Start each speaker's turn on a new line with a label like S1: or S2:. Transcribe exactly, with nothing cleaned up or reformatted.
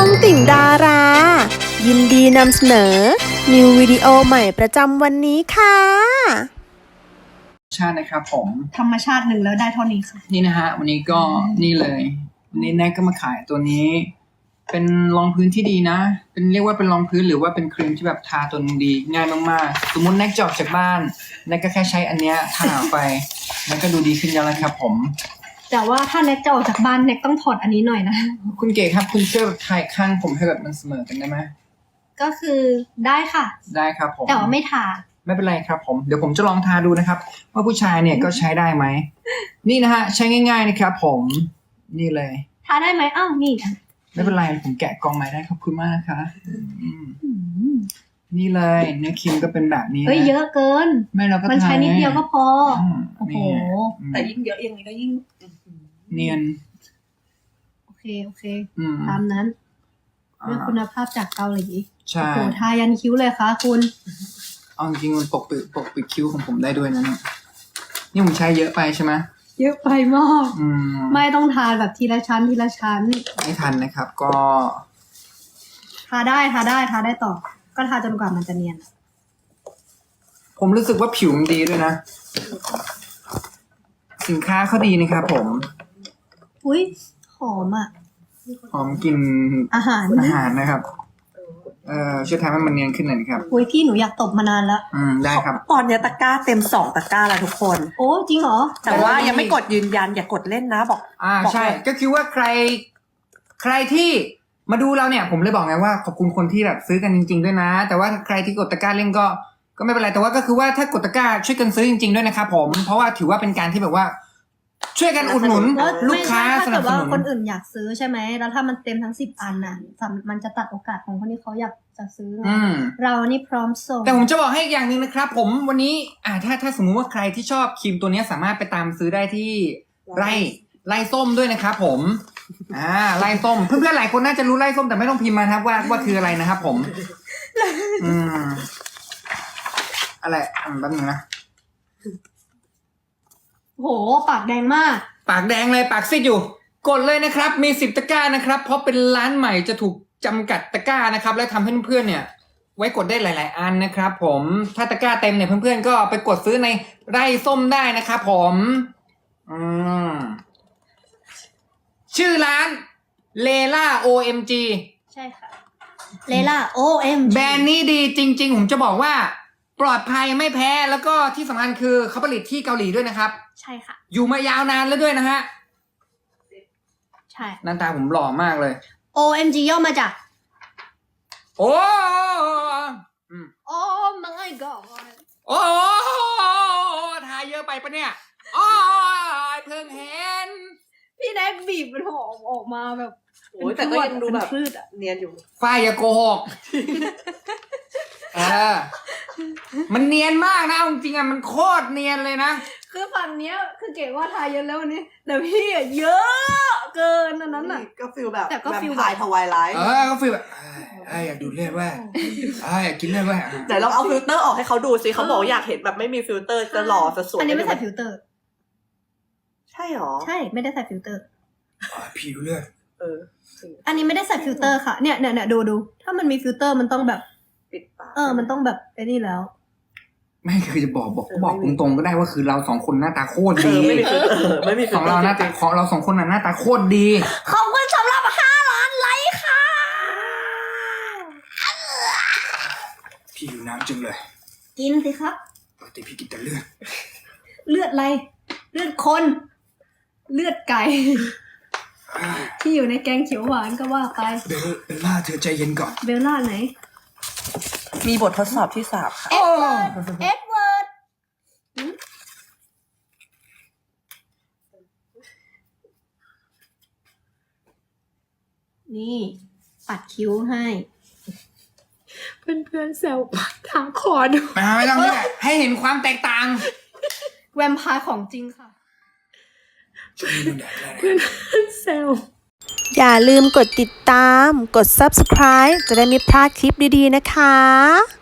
S1: องติ่งดารา ยินดีนำเสนอนิววิดีโอใหม่ประจำวันนี้ค่ะ
S2: ชาตินะครับผม
S3: ธรรมชาติหนึ่งแล้วได้เท่านี้ค่ะ
S2: นี่นะฮะวันนี้ก็นี่เลยวันนี้แน็กก็มาขายตัวนี้ เป็นรองพื้นที่ดีนะ เป็นเรียกว่าเป็นรองพื้นหรือว่าเป็นครีมที่แบบทาตัวนึงดีง่ายมากๆสมมติแน็กจะออกจากบ้านแน็กก็แค่ใช้อันเนี้ยทาไปมันก็ดูดีขึ้นแล้วนะครับผม
S3: แต่ว่าถ้าเน็กจะออกจากบ้านเน็กต้องถอดอันนี้หน่อยนะ
S2: คุณเก๋ครับคุณช่วยแบบถ่ายข้างผมให้แบบมันเสมอกันได้ไหม
S3: ก็คือได้ค่ะ
S2: ได้ครับผม
S3: แต่ว่าไม่ทา
S2: ไม่เป็นไรครับผมเดี๋ยวผมจะลองทาดูนะครับว่าผู้ชายเนี่ยก็ใช้ได้ไหมนี่นะฮะใช้ง่ายๆนะครับผมนี่เลย
S3: ทาได้ไหมอ้าวนี่
S2: ไม่เป็นไรผมแกะกล่องใหม่ได้ขอบคุณมากนะคะนี่เลยเนื้อครีมก็เป็นแบบนี้
S3: เฮ้ยเยอะเกิน
S2: ไม่เราก็
S3: มันใช้นิดเดียวก็พอโอ้โห
S4: แต่ยิ่งเยอะยังไงก็ยิ่ง
S2: เนียน
S3: โอเคโอเคตามนั้นด้วยคุณภาพจากเกาหลี
S2: ใช่
S3: โอ้โหทายันคิ้วเลยค่ะคุณ
S2: เอาจริงมันปกปิดปกปิดคิ้วของผมได้ด้วยนะเนี่ยนี่ผมใช้เยอะไปใช่ไหม
S3: เยอะไปมากไม่ต้องทาแบบทีละชั้นทีละชั้น
S2: ไม่ทันนะครับก็
S3: ทาได้ทาได้ทาได้ต่อก็ทาจนกว่ามันจะเนียน
S2: ผมรู้สึกว่าผิวมันดีด้วยนะสินค้าเขาดีนะครับผม
S3: อุ้ยหอมอ่ะ
S2: หอมกลิ่น
S3: อาหาร
S2: อาหารนะครับเอ่อช่วยทำให้มันเนียนขึ้นหน่อยครับ
S3: อุ้ยพี่หนูอยากตบมานานแล้ว
S2: อืมได้ครับ
S4: ตอนนี้ตะกร้าเต็มสองตะกร้าแล้วทุกคน
S3: โอ้จริงเหรอ
S4: แต่ว่ายังไม่กดยืนยันอย่ากดเล่นนะบอก
S2: อ่าใช่ก็คือว่าใครใครที่มาดูเราเนี่ยผมเลยบอกไงว่าขอบคุณคนที่แบบซื้อกันจริงๆด้วยนะแต่ว่าใครที่กดตะกร้าเล่นก็ก็ไม่เป็นไรแต่ว่าก็คือว่าถ้ากดตะกร้าช่วยกันซื้อจริงๆด้วยนะครับผมเพราะว่าถือว่าเป็นการที่แบบว่าช่วยกันอุดหนุนลูกค้าสนับสนุนถ้าเกิดว่า
S3: คนอื่นอยากซื้อใช่ไหมแล้วถ้ามันเต็มทั้งสิบอันน่ะมันจะตัดโอกาสของคนที่เขาอยากจะซื้อเรานี่พร้อมส่ง
S2: แต่ผมจะบอกให้อย่างหนึ่งนะครับผมวันนี้อ่าถ้าถ้าสมมุติว่าใครที่ชอบครีมตัวนี้สามารถไปตามซื้อได้ที่ไร่ไร่ส้มด้วยนะครับผมอ่าไร่ส้มเพื่อนๆหลายคนน่าจะรู้ไร่ส้มแต่ไม่ต้องพิมพ์มาครับว่าว่าคืออะไรนะครับผมอืมอะไรอ่านแป๊บนึงนะ
S3: โหปากแดงมาก
S2: ปากแดงเลยปากซีดอยู่กดเลยนะครับมีสิบตะกร้านะครับเพราะเป็นร้านใหม่จะถูกจำกัดตะกร้านะครับและทำให้เพื่อนๆเนี่ยไว้กดได้หลายๆอันนะครับผมถ้าตะกร้าเต็มเนี่ยเพื่อนๆก็ไปกดซื้อในไร่ส้มได้นะครับผมอืมชื่อร้านเลล่า โอ เอ็ม จี
S3: ใช่ค่ะเลล่า โอ เอ็ม จี
S2: แบรนด์นี้ดีจริงๆผมจะบอกว่าปลอดภัยไม่แพ้แล้วก็ที่สำคัญคือเขาผลิตที่เกาหลีด้วยนะครับ
S3: ใช่ค่ะ
S2: อยู่มายาวนานแล้วด้วยนะฮะ
S3: ใช่
S2: หน้าตาผมหล่อมากเลย
S3: โอ เอ็ม จี ย่อมาจาก
S2: โอ้
S3: โอ้ my god
S2: โอ้ทาเยอะไปปะเนี่ยโอ้เพิ่งเห็น
S3: พี่แน็กบีบมันหอมออกมาแบบ
S4: โอ้ยแต่ก็ยังดูแบบเนียนอยู่
S2: ฝ้ายอย่าโกหกเออมันเนียนมากนะจริงๆอ่ะมันโคตรเนียนเลยนะ
S3: คือฝั่งเนี้ยคือเก๋ว่าทาเยอะแล้ววันนี้แต่พี่อ่ะเยอะเกินอันนั้นอ่ะ
S4: ก็ฟีลแบบ
S3: แต่ก็ฟีล
S4: ถ่ายทวายไลท์
S2: เออก็ฟีลแบบไอ้อยากดูเลือดแว่ไอ้อยากกินเลือดแว่
S4: แต่ลองเอาฟิลเตอร์ออกให้เขาดูสิเขาบอกอยากเห็นแบบไม่มีฟิลเตอร์จะหล่อจะสวย
S3: อันนี้ไม่ใส่ฟิลเตอร์
S4: ใช่หรอ
S3: ใช่ไม่ได้ใส่ฟิลเตอร์
S2: ผิวเลือด
S4: เออ
S3: อันนี้ไม่ได้ใส่ฟิลเตอร์ค่ะเนี่ยเนี่ยเนี่ยดูดูถ้ามันมีฟิลเตอร์มันต้องแบบ
S4: ปิดปาก
S3: เออมันต้องแบบไอ้นี่แล้ว
S2: ไม่คือจะบอกบอกก็บอกตรงๆก็ได้ว่าคือเราสองคนหน้าตาโคตรดี
S4: ไม่มีฟิลเตอร์ไม่มี
S2: ของเราหน้าตาของเราสองคนน่ะหน้าตาโคตรดี
S3: ขอบคุณสำหรับห้าล้านไลค์ค่ะ
S2: พี่อยู่น้ำจังเลย
S3: กินสิครับ
S2: ปกติพี่กินแต่เลือด
S3: เลือดอะไรเลือดคนเลือดไก่ที่อยู่ในแกงเขียวหวานก็ว่าไป
S2: เบลเบลล่าเธอใจเย็นก่อน
S3: เบลล่าไหน
S4: มีบททดสอบที่สามค่ะ
S3: เอ็ดเวิร์ดเอ็ดเวิร์ดนี่ปัดคิ้วให้
S4: เพื่อนๆแซวปัดทางคอดู
S2: ไม่ต้องนี่แหละให้เห็นความแตกต่าง
S3: แวมไพร์ของจริงค่ะ
S4: เพื่อนแซว
S1: อย่าลืมกดติดตามกด ซับสไครบ์ จะได้ไม่พลาดคลิปดีๆนะคะ